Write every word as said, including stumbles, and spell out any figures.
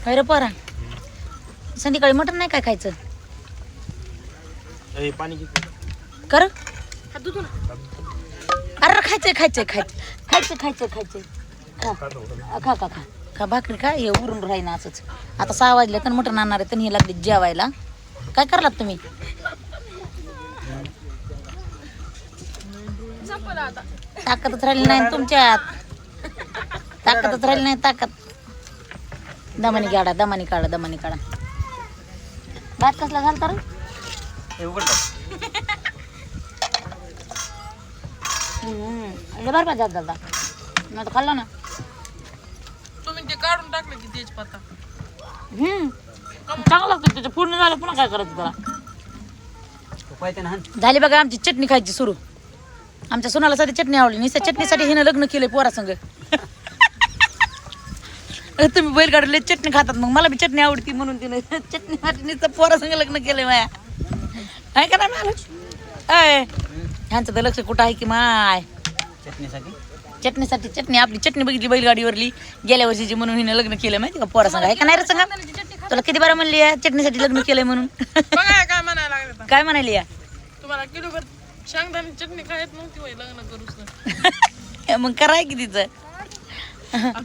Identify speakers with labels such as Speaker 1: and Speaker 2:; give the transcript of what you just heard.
Speaker 1: अरे पोरा संध्याकाळी मटण नाही काय खायचं
Speaker 2: पाणी
Speaker 1: कर अरे खायचंय खायचंय खायचं खायचं खायचं खायचंय खा खा खा खा खा भाकरी खा हे उरून राहीन असंच आता सहा वाजले तर मटण आणणार आहे तर हे लागले जेवायला काय करलात तुम्ही ताकदच राहिली नाही तुमच्यात ताकदच राहिली नाही ताकद दमानी काढा दमानी काढा दमानी काढा भात कसला घालता रे बरं जात दादा मी खाल्लं ना
Speaker 3: तुम्ही ते काढून टाकलं की तेजपत्ता
Speaker 1: हम्म चांगलं लागतं त्याचं पूर्ण झालं पुन्हा काय करायचं त्याला झाली बघा आमची चटणी खायची सुरू आमच्या सोनाला साठी चटणी आवडली नुसत्या चटणीसाठी हिनं लग्न केलंय पोरासंग तुम्ही बैलगाडीला चटणी खातात मग मला बी चटणी आवडती म्हणून तिने चटणीसाठी नुसतं पोरासंग लग्न केलंय माया आहे का नाही मला अय ह्यांचं तर लक्ष कुठं आहे की माय
Speaker 2: चटणीसाठी
Speaker 1: चटणीसाठी चटणी आपली चटणी बघितली बैलगाडीवरली गेल्या वर्षीची म्हणून हिने लग्न केलं माहिती का पोरासंग आहे का नाही रे सांगा तुला किती बारा म्हणली या चटणीसाठी लग्न केलंय म्हणून
Speaker 3: बघा काय म्हणायला लागलं
Speaker 1: काय म्हणाली या
Speaker 3: तुम्हाला किलोभर शेंगदाणे चटणी खायत नव्हती होय लग्न करूच
Speaker 1: मग कराय की तिचं